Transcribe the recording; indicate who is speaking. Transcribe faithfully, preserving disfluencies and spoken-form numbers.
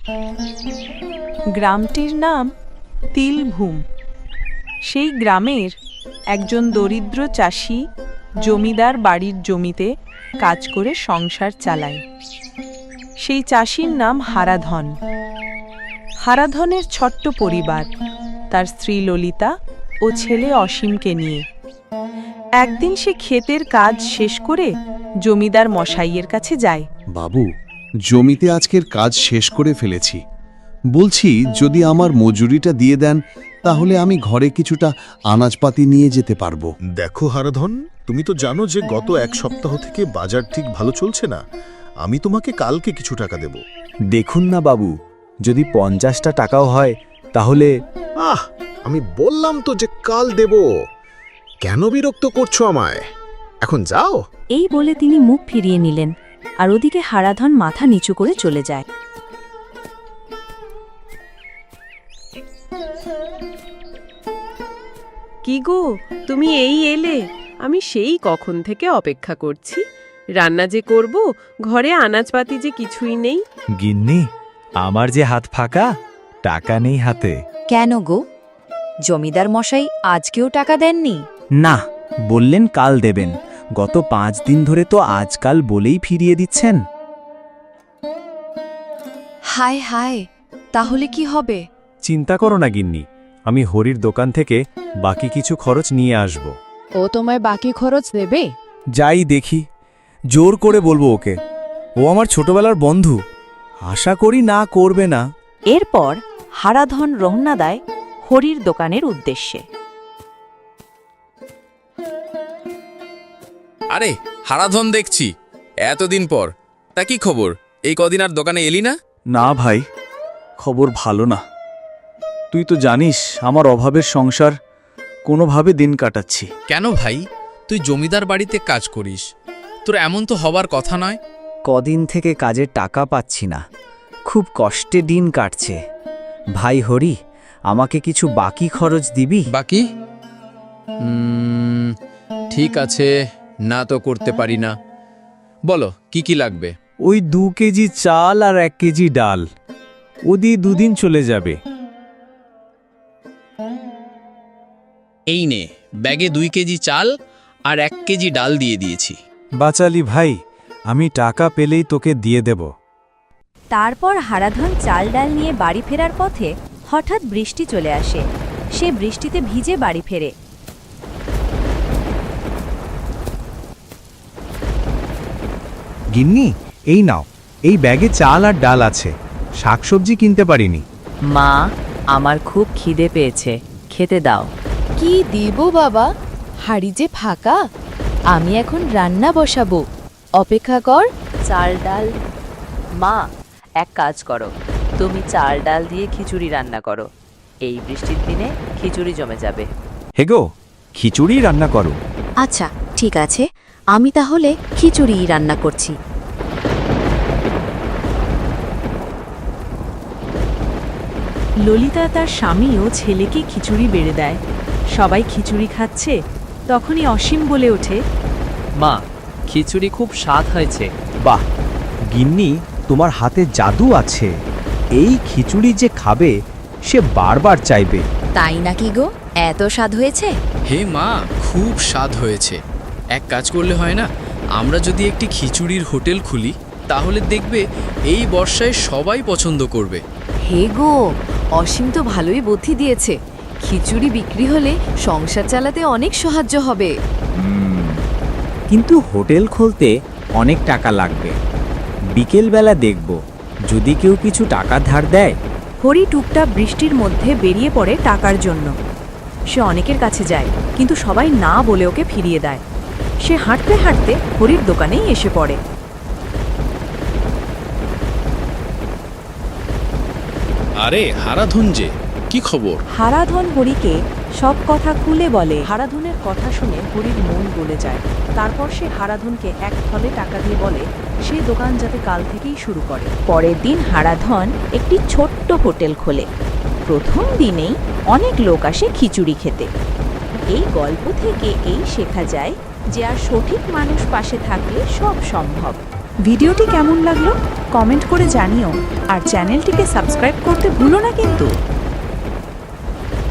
Speaker 1: গ্রামটির নাম তিলভূম। সেই গ্রামের একজন দরিদ্র চাষি জমিদার বাড়ির জমিতে কাজ করে সংসার চালায়। সেই চাষির নাম হারাধন। হারাধনের ছোট্ট পরিবার, তার স্ত্রী ললিতা ও ছেলে অসীমকে নিয়ে। একদিন সে ক্ষেতের কাজ শেষ করে জমিদার মশাইয়ের কাছে যায়।
Speaker 2: বাবু, জমিতে আজকের কাজ শেষ করে ফেলেছি। বলছি, যদি আমার মজুরিটা দিয়ে দেন তাহলে আমি ঘরে কিছুটা আনাজপাতি নিয়ে যেতে পারবো।
Speaker 3: দেখো হারাধন, তুমি তো জানো যে গত এক সপ্তাহ থেকে বাজার ঠিক ভালো চলছে না। আমি তোমাকে কালকে কিছু টাকা দেব।
Speaker 4: দেখুন না বাবু, যদি পঞ্চাশটা টাকাও হয় তাহলে।
Speaker 3: আহ, আমি বললাম তো যে কাল দেব। কেন বিরক্ত করছো আমায়? এখন যাও।
Speaker 5: এই বলে তিনি মুখ ফিরিয়ে নিলেন, আর ওদিকে হারাধন মাথা নিচু করে চলে যায়।
Speaker 6: কি গো, তুমি এই এলে? আমি সেই কখন থেকে অপেক্ষা করছি। রান্না যে করব, ঘরে আনাজপাতি যে কিছুই নেই।
Speaker 4: গিন্নি, আমার যে হাত ফাঁকা, টাকা নেই হাতে।
Speaker 5: কেন গো, জমিদার মশাই আজকেও টাকা দেননি?
Speaker 4: না, বললেন কাল দেবেন। গত পাঁচ দিন ধরে তো আজকাল বলেই ফিরিয়ে দিচ্ছেন।
Speaker 5: হায় হায়, তাহলে কি হবে?
Speaker 4: চিন্তা করো না গিন্নি, আমি হরির দোকান থেকে বাকি কিছু খরচ নিয়ে আসব।
Speaker 7: ও তোমায় বাকি খরচ দেবে?
Speaker 4: যাই দেখি, জোর করে বলবো ওকে। ও আমার ছোটবেলার বন্ধু, আশা করি না করবে না।
Speaker 5: এরপর হারাধন রওনা দেয় হরির দোকানের উদ্দেশ্যে।
Speaker 8: আরে হারাধন, দেখছি এতদিন পর। তা কি খবর? এই কদিন আর দোকানে এলি না?
Speaker 4: না ভাই, খবর ভালো না। তুই তো জানিস আমার অভাবের সংসার, কোনোভাবে দিন কাটাচ্ছি।
Speaker 8: কেন ভাই, তুই জমিদার বাড়িতে কাজ করিস, তোর এমন তো হবার কথা নয়।
Speaker 4: কদিন থেকে কাজের টাকা পাচ্ছি না, খুব কষ্টে দিন কাটছে। ভাই হরি, আমাকে কিছু বাকি খরচ দিবি?
Speaker 8: বাকি? উম, ঠিক আছে, না তো করতে পারি না। বলো কি কি লাগবে?
Speaker 4: ওই দু কেজি চাল আর এক কেজি ডাল, ও দিয়ে দুদিন চলে যাবে।
Speaker 8: এই নে, ব্যাগে দুই কেজি চাল আর এক কেজি ডাল দিয়ে দিয়েছি।
Speaker 4: বাচালি ভাই, আমি টাকা পেলেই তোকে দিয়ে দেব।
Speaker 5: তারপর হারাধন চাল ডাল নিয়ে বাড়ি ফেরার পথে হঠাৎ বৃষ্টি চলে আসে। সে বৃষ্টিতে ভিজে বাড়ি ফেরে।
Speaker 4: গিন্নি, এই নাও, এই ব্যাগে চাল আর ডাল আছে, শাকসবজি কিনতে পারিনি।
Speaker 5: মা, আমার খুব খিদে পেয়েছে, খেতে দাও।
Speaker 7: কি দিব বাবা, হাড়ি যে ফাঁকা। আমি এখন রান্না বসাবো, অপেক্ষা কর।
Speaker 5: চাল ডাল? মা, এক কাজ করো, তুমি চাল ডাল দিয়ে খিচুড়ি রান্না করো। এই বৃষ্টির দিনে খিচুড়ি জমে যাবে।
Speaker 4: হেগো, খিচুড়ি রান্না করো।
Speaker 5: আচ্ছা ঠিক আছে, আমি তাহলে খিচুড়ি রান্না করছি।
Speaker 1: ললিতা তার স্বামী ও ছেলেকে খিচুড়ি বেড়ে দেয়। সবাই খিচুড়ি খাচ্ছে, তখনই অসীম বলে ওঠে,
Speaker 9: মা, খিচুড়ি খুব স্বাদ হয়েছে।
Speaker 4: বাহ গিন্নি, তোমার হাতে জাদু আছে। এই খিচুড়ি যে খাবে সে বারবার চাইবে।
Speaker 5: তাই নাকি গো, এত স্বাদ হয়েছে?
Speaker 8: হে মা, খুব স্বাদ হয়েছে। এক কাজ করলে হয় না, আমরা যদি একটি খিচুড়ির হোটেল খুলি তাহলে দেখবে এই বর্ষায় সবাই পছন্দ করবে।
Speaker 7: হে গো, অসীম তো ভালোই বুদ্ধি দিয়েছে। খিচুড়ি বিক্রি হলে সংসার চালাতে অনেক সাহায্য হবে।
Speaker 4: কিন্তু হোটেল খুলতে অনেক টাকা লাগবে। বিকেলবেলা দেখব, যদি কেউ কিছু টাকা ধার দেয়।
Speaker 5: হরি টুকটাক বৃষ্টির মধ্যে বেরিয়ে পড়ে টাকার জন্য। সে অনেকের কাছে যায়, কিন্তু সবাই না বলে ওকে ফিরিয়ে দেয়। সে হাঁটতে হাঁটতে হরির দোকানেই এসে পড়ে।
Speaker 8: আরে হারাধন যে, কি খবর?
Speaker 1: হারাধন হরিকে সব কথা খুলে বলে। হারাধনের কথা শুনে হরির মন গলে যায়। তারপর সে হারাধনকে এক থলে টাকা দিয়ে বলে সে দোকান যাতে কাল থেকেই শুরু করে।
Speaker 5: পরের দিন হারাধন একটি ছোট্ট হোটেল খোলে। প্রথম দিনেই অনেক লোক আসে খিচুড়ি খেতে। এই গল্প থেকে এই শেখা যায় যে আর সঠিক মানুষ পাশে থাকলে সব সম্ভব।
Speaker 1: ভিডিওটি কেমন লাগলো কমেন্ট করে জানিও আর চ্যানেলটিকে সাবস্ক্রাইব করতে ভুলো না কিন্তু।